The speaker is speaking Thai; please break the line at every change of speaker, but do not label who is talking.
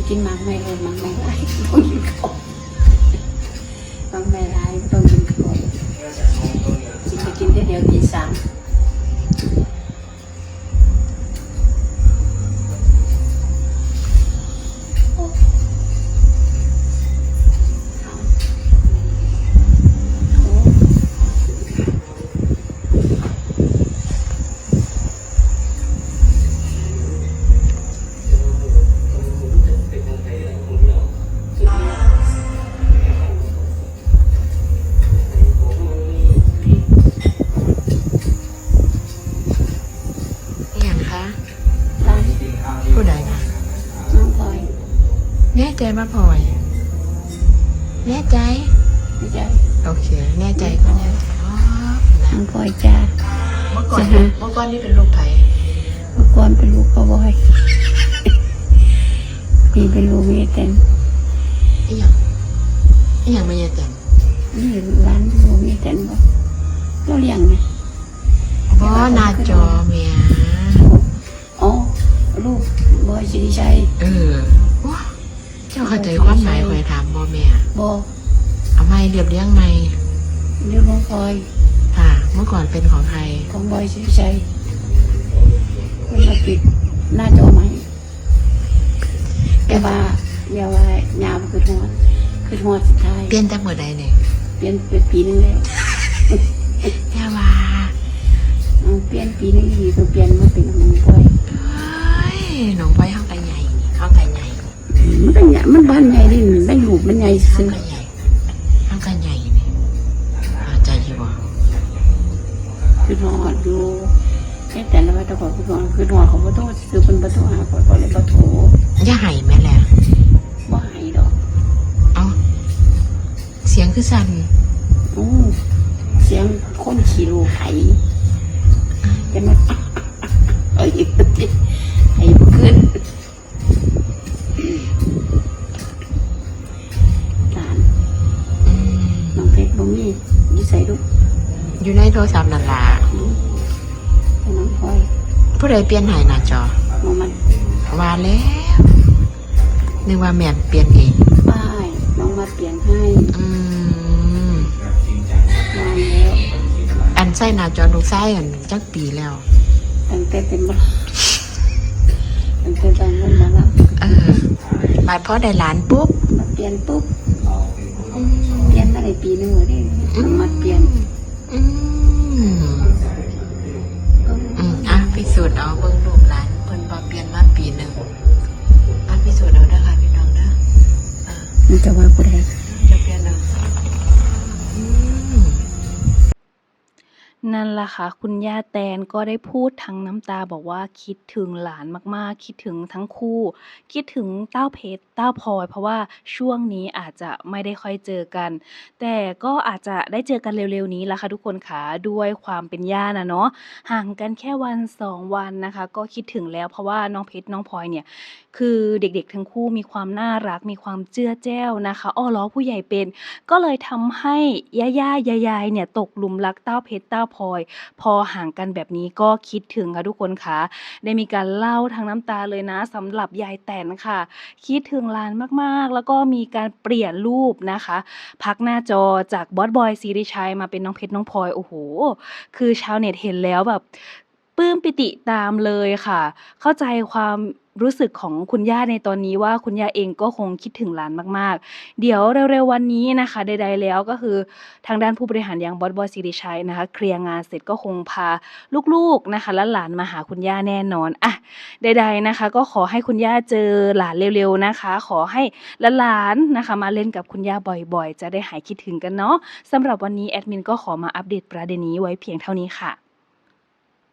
กินหมากไม่เลยหมากไม่ไรต้องกินข้าวหมากไม่ไรต้องกินข้าวสิไปกินเดี๋ยวตี 3
ผู้ใดนะ
น้องพลอย
แน่ใจมาพลอยแน่ใจ
ไม่ใช่
โอเคแน่ใจก็แน่ใจอ๋อ
น้องพลอยจ้า
เมื่อก่อนนี่เป็นลูกไผ่
เมื่อก่อนเป็นลูกพ่อบอยพี่เป็นลูกเมียแต่ง
อีหยังไม่ยังแต่ง
นี่ร้านลูกเมียแต่งบ่เราเลี้ยงไง
บ่หน้าจอเมีย
อ๋อลูกบอยสิริชัย
ว้าเจ้าเข้าใจความหมายคอยถามบ่เมีย
บอ
เอาไม่เรียบเรียงไม่
เรื่องน้องพลอย
ค่ะเมื่อก่อนเป็นของใคร
ของบอยสิริชัยมันมาปิดหน้าจอไหมแกว่าหยาบคือหัวสุดท้าย
เปลี่ยนแต่เมื่อใดเนี่ย
เปลี่ยนเป็นปีนึงแล้ว
แค่ว่า
เปลี่ยนปีนึงทีตัวเปลี่ยนมาเป็นของน้องพลอย
เฮ้ยน้องไว้ห้องไก่ใหญ่ห้องไก่ใหญ่
มันก็ใหญ่มันบ้านใหญ่ดิได้หูมันใหญ่
ห้อง
ซื้อ
ไก่ใหญ่ห้องไก่ใหญ่นี่ใจอยู่บ่
คือหอดอยู่แต่ละวันตะกอนคือหอดของพ่อโตซื้อเป็นประตูหาก่อนเลยประตู
อย่าให้แม่แหละ
บ่หายดอก
เอาเสียงคือสั่น
เสียงคนขี่รูไถจะมาไอ้ขึ้นหลานน้องเพชรบ่มีอยู่ใส่ลูก
อยู่ในโทรศัพท์นั่นล่ะ
แต่น้องพลอย
ผู้ใดเปลี่ยนให้หน้าจอ
มัน
ว่าแล้วนึกว่าแม่นเปลี่ยนเอง
ป้ายน้องมาเปลี่ยนให้
อืม
นานแล้ว
อันใส่หน้าจอลูกไส้อันจักปีแล้ว
ตั้งแต่เป็นมาตั้งแต่ตอนนั้นมาแล้ว
บาดพอได้หลานปุ๊บ
มาเปลี่ยนปุ๊บเปลี่ยนอะไรปีนึงวะนี่น้องมาเปลี่ยน
อืมพิสูจน์เอาเบิ่งลูกหลานเพิ่นบ่เปลี่ยนมาปีหนึงพิสูจน์เอาเด้อค่ะพี่น้องเด้อ
มันจะว่าผู้ใด
จะเปลี่ยนเอา
นั่นล่ะค่ะคุณย่าแตนก็ได้พูดทั้งน้ำตาบอกว่าคิดถึงหลานมากๆคิดถึงทั้งคู่คิดถึงเต้าเพชรเต้าพลอยเพราะว่าช่วงนี้อาจจะไม่ได้ค่อยเจอกันแต่ก็อาจจะได้เจอกันเร็วๆนี้ล่ะค่ะทุกคนค่ะด้วยความเป็นย่าน่ะเนาะห่างกันแค่วัน2วันนะคะก็คิดถึงแล้วเพราะว่าน้องเพชรน้องพลอยเนี่ยคือเด็กๆทั้งคู่มีความน่ารักมีความเจื้อแจ้วนะคะอ้อล้อผู้ใหญ่เป็นก็เลยทำให้ย่าๆยายๆเนี่ยตกหลุมรักเต้าเพชรเต้าพลอยพอห่างกันแบบนี้ก็คิดถึงค่ะทุกคนค่ะได้มีการเล่าทั้งน้ำตาเลยนะสำหรับยายแตนค่ะคิดถึงหลานมากๆแล้วก็มีการเปลี่ยนรูปนะคะพักหน้าจอจากบอสบอยสิริชัยมาเป็นน้องเพชรน้องพลอยโอ้โหคือชาวเน็ตเห็นแล้วแบบปลื้มปิติตามเลยค่ะเข้าใจความรู้สึกของคุณย่าในตอนนี้ว่าคุณย่าเองก็คงคิดถึงหลานมากๆเดี๋ยวเร็วๆวันนี้นะคะใดๆแล้วก็คือทางด้านผู้บริหารอย่างบอสบอยสิริชัยนะคะเคลียร์งานเสร็จก็คงพาลูกๆนะคะและหลานมาหาคุณย่าแน่นอนอ่ะใดๆนะคะก็ขอให้คุณย่าเจอหลานเร็วๆนะคะขอให้หลานๆนะคะมาเล่นกับคุณย่าบ่อยๆจะได้หายคิดถึงกันเนาะสำหรับวันนี้แอดมินก็ขอมาอัปเดตประเด็นนี้ไว้เพียงเท่านี้ค่ะ